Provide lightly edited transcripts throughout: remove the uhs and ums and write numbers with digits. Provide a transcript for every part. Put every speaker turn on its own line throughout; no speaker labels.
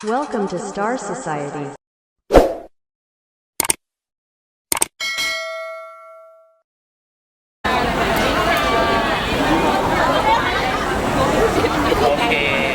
Welcome to Star Society.
โอเค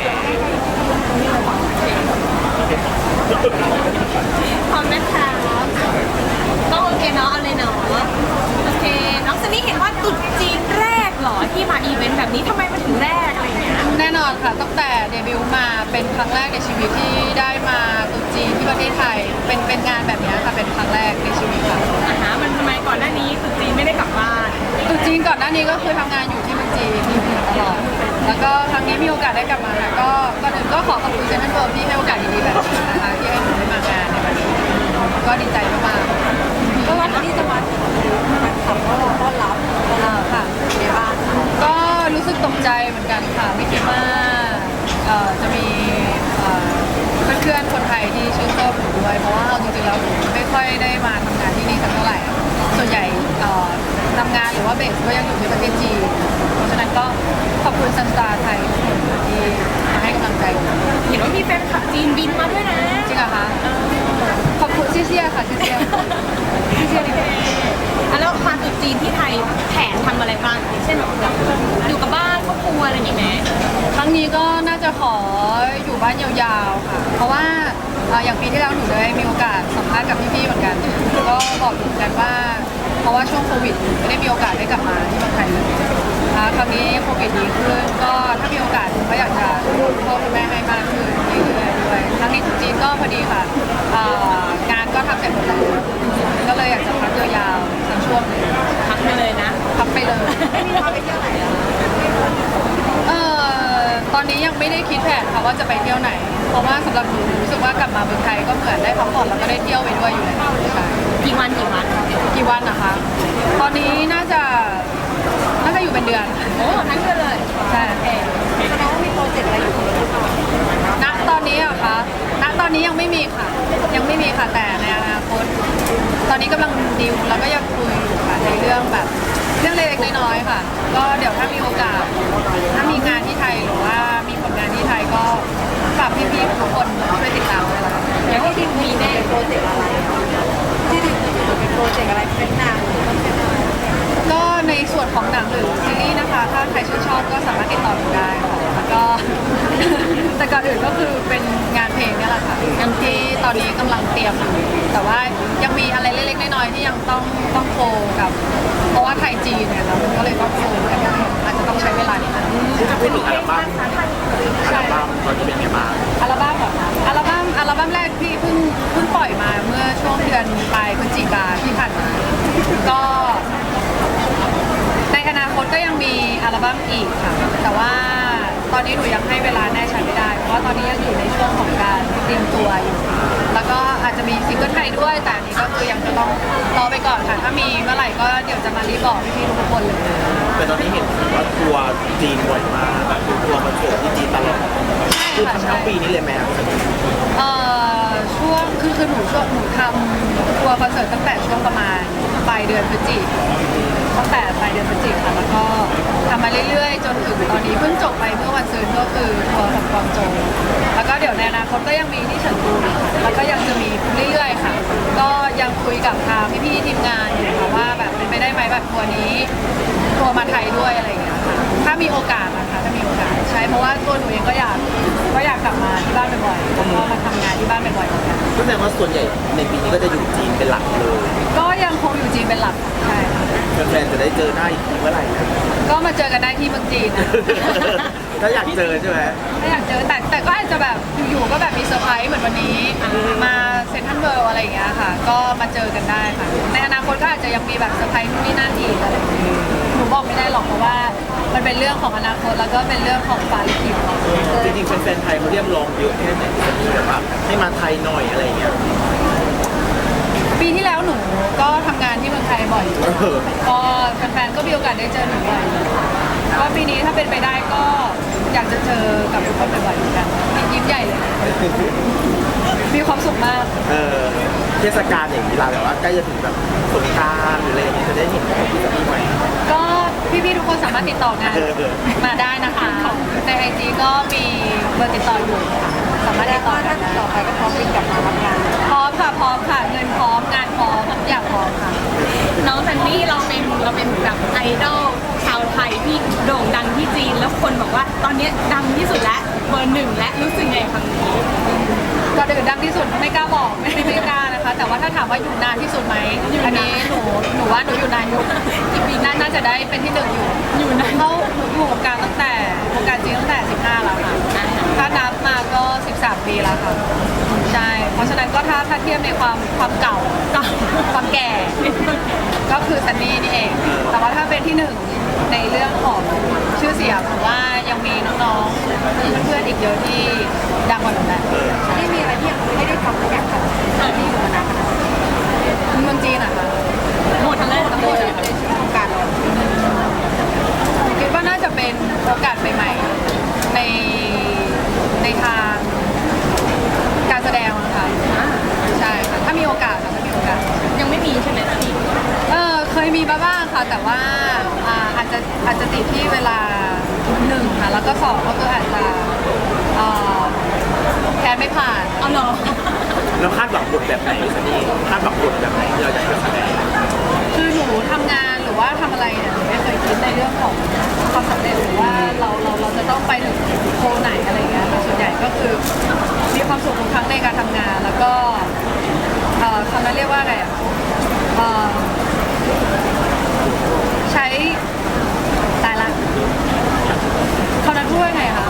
พร้อมนะคะก็โอเคเนาะเอาเลยเนาะโอเคน้องซันนี่เห็นว่าตุ๊ดจีนแรกเหรอที่มาอีเวนต์แบบนี้ทำไมมันถึงแรกอะไรเงี้ย
แน่นอนค่ะตั้งแต่เดบิวต์มาเป็นครั้งแรกในชีวิตที่ได้มาตรุษจีนที่ประเทศไทยเป็นงานแบบนี้ค่ะเป็นครั้งแรกในชีวิตค่ะ
มันทำไมก่อนหน้านี้ตุ๊ดจีนไม่ได้กลับบ้าน
ตรุษจีนก่อนหน้านี้ก็คือทำงานอยู่ที่เมืองจีนอยู่ตลอดแล้วก็ครั้งนี้มีโอกาสได้กลับมาค่ะก็ก่อนอื่นก็ขอขอบคุณเซนต์เวิร์ที่ให้โอกาสดีๆแบบนี้นะคะที่ให้หนูได้มางานในวันนี้ก็ดีใจมากๆก็วันที่จะมาขับก็รอต้อนรับค่ะในบ้านก็รู้สึกตกใจเหมือนกันค่ะไม่คิดว่าจะมีเพื่อนๆคนไทยที่ชื่นชอบหนูด้วยเพราะว่าเอาจริงๆแล้วหนูไม่ค่อยได้มาทำงานที่นี่สักเท่าไหร่ส่วนใหญ่ทำงานหรือว่าเบสก็ยังอยู่ที่ประเทศจีนเพราะฉะนั้นก็ขอบคุณซันสตาร์ไทยที่มาให้กำลังใจหนู
เห็นว่ามีแฟนคลับจีนบินมาด้วยนะ
จริงเหรอคะขอบคุณเชี่ยๆค่ะเชี่ยๆดีกว่า
แล้วมาตุ๊ดจีนที่ไทยแผนทำอะไรบ้างอย่างเช่นแบบอยู่กับบ้านครอบครัวอะไรอย่างเงี้ย
ครั้งนี้ก็น่าจะขออยู่บ้านยาวๆค่ะเพราะว่าอย่างปีที่แล้วหนูได้มีโอกาสสัมภาษณ์กับพี่ๆเหมือนกันก็บอกเหมือนกันว่าเพราะว่าช่วงโควิดไม่ได้มีโอกาสได้กลับมาที่เมืองไทยเลยครั้งนี้โควิดดีขึ้นก็ถ้ามีโอกาสก็อยากจะดูพ่อคุณแม่ให้มากขึ้นเรื่อยๆด้วยครั้งนี้จริงๆก็พอดีค่ะงานก็ทำเสร็จหมดแล้วก็เลยอยากจะพักยาวๆสักช่วงหนึง
พักไปเลยนะ
พักไปเลยไม่มีพาไปเที่ยวไหนตอนนี้ยังไม่ได้คิดแผนค่ะว่าจะไปเที่ยวไหน เพราะว่าสำหรับหนูรู้สึกว่ากลับมาเมืองไทยก็เหมือนได้พักผ่อนแล้วก็ได้เที่ยวไปด้วยอยู่แล้วใช่
กี่วัน
กี่วันนะคะ ตอนนี้น่าจะอยู่เป็นเดือน
โอ้ทั้งเดือนเลย
ใช่
แสดงว่ามีโปรเจกต์อะไรอยู่
ณตอนนี้อะคะณตอนนี้ยังไม่มีค่ะ ยังไม่มีค่ะแต่ในอนาคตตอนนี้กำลังดิวแล้วก็ยังคุยอยู่ค่ะในเรื่องแบบเรื่องเล็กๆน้อยๆค่ะ ก็เดี๋ยวถ้ามีโอกาส ถ้ามีงานที่ไทยหรือว่ามีผลงานที่ไทยก็ฝากพี่ๆทุกคนช่วยติดตามด้วยละกัน
อย่างที่ดิวมีแน่โปรเจกต์อะไรที่ดิวเป็นโปรเจกต์อะไรเป็นหนังหรือเป็นอะไร
ก็ในส่วนของหนังหรือซีรีส์นะคะ ถ้าใครชื่นชอบก็สามารถติดต่อหนูได้ค่ะแล้วก็ แต่ก่อนอื่นก็คือเป็นงานเพลงเนี่ยแหละค่ะงานที่ตอนนี้กำลังเตรียมอยู่แต่ว่ายังมีอะไรเล็กๆน้อยๆที่ยังต้องโคกับ เพราะว่าไทยจีนเนี่ยเราก็เลยต้องโคกันอาจจะต้องใช้เวลานิดนึง
ถ้าพูดถึงอัลบั้มตอนนี้เป็นไงบ้าง
อัลบั้มเหรอคะอัลบั้มแรกที่เพิ่งปล่อยมาเมื่อช่วงเดือนปลายพฤศจิกาที่ผ่านมาก็ในอนาคตก็ยังมีอัลบั้มอีกค่ะแต่ว่าตอนนี้หนูยังให้เวลาแน่ชัดไม่ได้เพราะว่าตอนนี้ยังอยู่ในช่วงของการเตรียมตัวอยู่แล้วก็อาจจะมีซิงเกิลไทยด้วยแต่อันนี้ก็คือยังจะต้องรอไปก่อนค่ะถ้ามีเมื่อไหร่ก็เดี๋ยวจะมารีบบอกพี่ๆทุกคนเลย
แต่ตอนนี้เห็นว่าทัวร์จีนบ่อยมากแบบทัวร์คอนเสิร์ตที่จีนตลอดคือทั้งปีนี้เลยแม่
ช่วงคือหนูทำทัวร์คอนเสิร์ตตั้งแต่ช่วงประมาณปลายเดือนพฤศจิกตั้งแต่ปลายเดือนพฤศจิกค่ะแล้วก็ทำมาเรื่อยๆจนถึงตอนนี้เพิ่งจบไปเมื่อวันซืนก็คือทัวร์ของกวางโจวแล้วก็เดี๋ยวในอนาคตก็ยังมีที่เฉิงตูแล้วก็ยังจะมีเรื่อยๆค่ะ ก็ยังคุยกับทางพี่ๆทีมงานอยู่ค่ะว่าแบบเป็นไปได้ไหมแบบทัวร์นี้ทัวร์มาไทยด้วยอะไรอย่างเงี้ยค่ะถ้ามีโอกาสนะคะถ้ามีโอกาสใช่เพราะว่าตัวหนูเองก็อยากกลับมาที่บ้านบ่อยๆแล้วก็มาทำงานที่บ้านบ่อยๆเหมือนกัน
ก็แสดงว่าส่วนใหญ่ในปีนี้ก็จะอยู่จีนเป็นหลักเลย
ก็ยังคงอยู่จีนเป็นหลักใช่ค่ะ
แฟนๆจะได้เจอหน้าอีกทีเมื่อไหร่นะ
ก็มาเจอกันได้ที่เมืองจีนนะ
ถ้าอยากเจอใช่ไหม
ถ้าอยากเจอแต่ก็อาจจะแบบอยู่ๆก็แบบมีเซอร์ไพรส์เหมือนวันนี้มาเซ็นทรัลเวิลด์อะไรอย่างเงี้ยค่ะ ก็มาเจอกันได้ค่ะในอนาคตก็อาจจะยังมีแบบเซอร์ไพรส์นู่นนี่นั่นอีกอะไรอย่างเงี้ยหนูบอกไม่ได้หรอกเพราะว่ามันเป็นเรื่องของอนาคตแล้วก็เป็นเรื่องของฟ้าลิขิต
จริงๆแฟนๆไทยเขาเรียกร้องเยอะแค่ไหนที่แบบว่าให้มาไทยหน่อยอะไรอย่างเงี้ย
ปีที่แล้วหนูก็ทำงานที่เมืองไทยบ่อยอยู่ก็แฟนๆก็มีโอกาสได้เจอหนูบ่อยก็ปีนี้ถ้าเป็นไปได้ก็อยากจะเจอกับทุกคนบ่อยๆเหมือนกันยิ้มใหญ่เลย มีความสุขมาก
เทศกาลอย่างนี้เราแบบว่าใกล้จะถึงแบบสงกรานต์หรืออะไรอย่างเงี้ยจะได้เห็นของพี่สามีใหม่
ก็พี่ๆทุกคนสามารถติดต่องานมาได้นะคะในไอจีก็มีเบอร์ติดต่ออยู่ค่ะสามารถติดต่อได้ต่อไปก็พร้อมบินกลับมาทำงานพร้อมค่ะเงินพร้อมงานพร้อมทุกอย่างพร้อมค่ะ
น้องซันนี่เราเป็นแบบไอดอลชาวไทยที่โด่งดังที่จีนแล้วคนบอกว่าตอนนี้ดังที่สุดแล้วเบอร์หนึ่งและรู้สึกไงคำนี้
ก็ดื่นดังที่สุดไม่กล้าบอกไม่กล้านะคะ แต่ว่าถ้าถามว่าอยู่นานที่สุดไหมอันนี้หนูว่าหนูอยู่นานอยู่กี่ปีน่าจะได้เป็นที่หนึ่งอยู่นานเข้าหนูอยู่วงการตั้งแต่วงการจีนตั้งแต่15แล้วค่ะถ้านับมาก็13ปีแล้วค่ะใช่เพราะฉะนั้นก็ถ้าเทียบในความเก่าความแก่ก็คือซันนี่นี่เอง แต่ว่าถ้าเป็นที่หนึ่งในเรื่องของชื่อเสียงผมว่ายังมีน้องๆเพื่อนๆอีกเยอะที่ดังกว่าหนูแหละไม่มีอะไรที่ยังไม่ได้ทำอยากทำที่อยู่มานานเมืองจีนอะค่ะหมดทั้งหมดในชีวิตของการคิดว่าน่าจะเป็นโอกาสใหม่ๆในทางการแสดงนะคะใช่ค่ะถ้ามีโอกาส
ยังไม่มีใช่ไหมพี่
เคยมีมาบ้างค่ะแต่ว่าอาจจะติดที่เวลาหนึ่งค่ะแล้วก็สองก็คืออาจจะแพ้ไม่ผ่าน
เอาเหรอ
แล้วคาดหวังบทแบบไหนซันนี่คาดหวังบทแบบไหนที่เราจะแสดง
คือหนูทำงานหรือว่าทำอะไรเนี่ยหนูไม่เคยคิดในเรื่องของความสำเร็จหรือว่าเราจะต้องไปถึงโคไหนอะไรเงี้ยแต่ส่วนใหญ่ก็คือมีความสุขทุกครั้งในการทำงานแล้วก็คำนั้นเรียกว่าอะไรอ่ะใช้ตายละเขานั้นพูดว่าไงคะ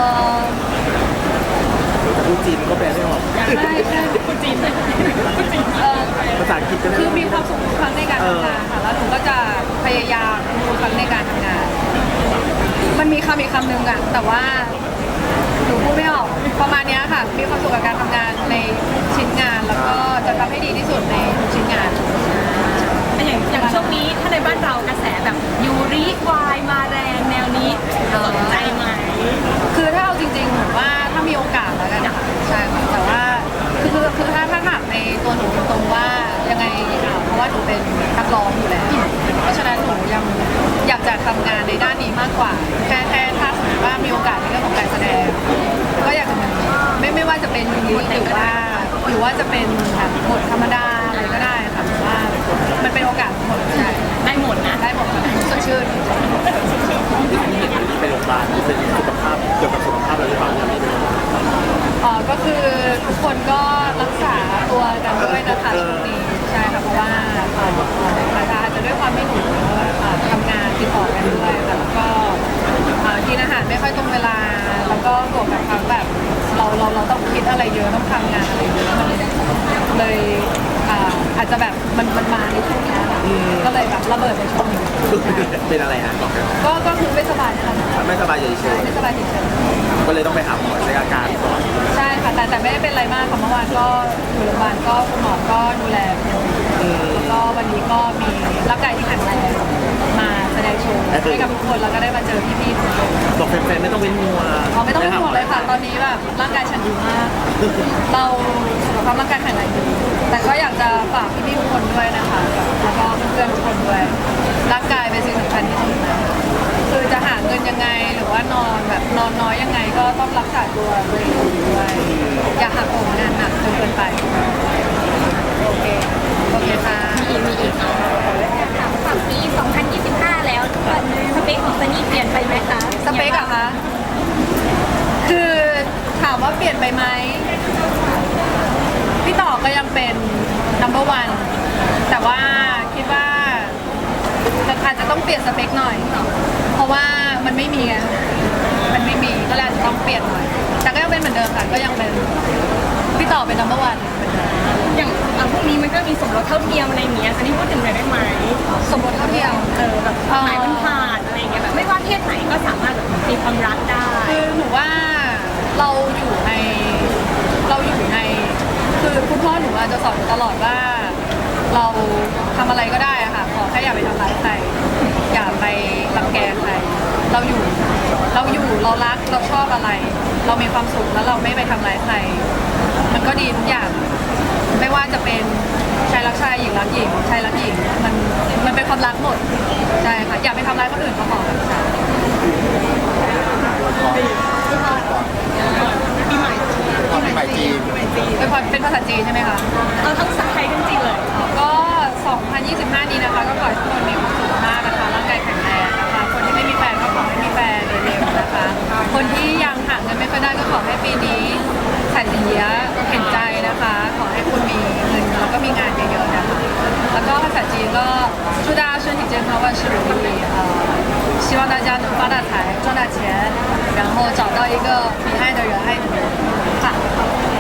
พูดจีนก็แปลไม่ออก
ใช่พูดจีน
ภาษาอังกฤษก็ได้
คือมีความสุขทุกครั้งในการทำงานค่ะแล้วหนูก็จะพยายามทุกครั้งในการทำงาน มันมีคำอีกคำหนึ่งอะแต่ว่าหนูพูดไม่ออกประมาณเนี้ยค่ะมีความสุขกับการทำงานในชิ้นงานแล้วก็จะทำให้ดีที่สุดในทุกชิ้นงาน
อย่างช่วงนี้ถ้าในบ้านเรากระแสแบบยูริวายมาแรงแนวนี้สนใจไหม
คือถ้าเอาจริงๆหนูว่าถ้ามีโอกาสแล้วกันใช่ค่ะแต่ว่าคือถ้าถามในตัวหนูตรงๆว่ายังไงเพราะว่าหนูเป็นนักร้องอยู่แล้วเพราะฉะนั้นหนูยังอยากจะทำงานในด้านนี้มากกว่าแค่ถ้าสมมติว่ามีโอกาสในเรื่องของการแสดงก็อยากจะไม่ว่าจะเป็นยูริหรือว่าจะเป็นแบบบทธรรมดาอะไรก็ได้ค่ะว่ามันเป็นโอกาสหมดใช่
ได้หมดนะ
ได้หมดค่ะสดชื่น
ที่เห็นที่ไปโรงพยาบาลเป็นสุขภาพเกี่ยวกับสุขภาพเราหรือเปล่าเนี่ยไม่รู้
ก็คือทุกคนก็รักษาตัวกันด้วยนะคะช่วงนี้ใช่ค่ะเพราะว่าอาจจะด้วยความไม่หนูทำงานติดต่อกันด้วยค่ะแล้วก็กินอาหารไม่ค่อยตรงเวลาแล้วก็บวกกับทั้งแบบเราต้องคิดอะไรเยอะต้องทำงานอะไรเยอะมันเลยอาจจะแบบมันมาในช่วงนี้ก็เลยแบบระเบิดในช่วงนี้
เป็นอะไรฮะบอกกัน
ก็คือไม่สบายนะคะ
ไม่สบายเฉย
ไม่สบายเฉย
ก็เลยต้องไปหาหมอใช้อาการก่อน
ใช่ค่ะแต่ไม่ได้เป็นอะไรมากค่ะเมื่อวานก็อยู่โรงพยาบาลก็คุณหมอก็ดูแลแล้วก็วันนี้ก็มีร่างกายที่แข็งแรงมาแสดงโชว์ให้กับทุกคนแล้วก็ได้มาเจอพี่ๆทุกคน
บอกแฟนๆไม่ต้องเว้นมัว
ไม่ต้องเว้นมัวเลยค่ะตอนนี้แบบร่างกายฉันดีมากเราสุขภาพร่างกายแข็งแรงดีแต่ก็อยากจะฝากพี่ๆทุกคนด้วยนะคะแล้วก็เพื่อนๆทุกคนด้วยร่างกายเป็นสิ่งสำคัญที่สุดนะคือจะหาเงินยังไงหรือว่านอนแบบนอนน้อยยังไงก็ต้องรักษาตัวด้วยอย่าหักโหมงานหนักจนเกินไปโอเคค่ะ
มีอีกฝั่งปี 2025 แล้วสเปคของซันนี่เปลี่ยนไปไหมคะ
สเปคอะคะคือถามว่าเปลี่ยนไปไหมพี่ต่อก็ยังเป็น number one แต่ว่าคิดว่าอาจจะต้องเปลี่ยนสเปคหน่อยเพราะว่ามันไม่มีไงมันไม่มีก็เลยอาจจะต้องเปลี่ยนหน่อยแต่ก็ยังเป็นเหมือนเดิมค่ะก็ยังเป็นพี่ต่อเป็น number one
อย่างพวกนี้มันก็มีสมรสเท่าเทียมอะไรอย่างเงี้ยซันนี่พูดถึงหน่อยได้ไหม
สมรสเท่าเทียม
แบบหมายมันผ่านอะไรอย่างเงี้ยแบบไม่ว่าเพศไหนก็สามารถมีความรักได้
คือหนูว่าเราอยู่ในคือคุณพ่อหนูจะสอนตลอดว่าเราทำอะไรก็ได้อะค่ะขอแค่อย่าไปทำร้ายใครอย่าไปรังแกใครเราอยู่เรารักเราชอบอะไรเรามีความสุขแล้วเราไม่ไปทำร้ายใครมันก็ดีทุกอย่างไม่ว่าจะเป็นชายรักชายหญิงรักหญิงชายรักหญิงมันเป็นความรักหมดใช่ค่ะอย่าไปทำร้ายคนอื่นก็พอค่ะ
ปปีใหม่
ตอนปีใหม่จีน
ปีใหม่จีน
เป็นภาษาจีนใช่ไหมคะ
เอาทั้งภาษาไทยทั้งจีนเลย
ก็ 2025 นี้นะคะ ก็ขอให้ทุกคนมีความสุขมากนะคะ ร่างกายแข็งแรงนะคะ คนที่ไม่มีแฟนก็ขอให้มีแฟนเร็วๆนะคะ คนที่ยังหาเงินไม่ค่อยได้ก็ขอให้ปีนี้แสนเยียเห็นใจนะคะ ขอให้คุณมีเงินแล้วก็มีงานเยอะๆนะคะ แล้วก็ภาษาจีนก็祝大家身体健康，万事如意。希望大家能发大财，赚大钱，然后找到一个你爱的人，爱你的人。ค่ะ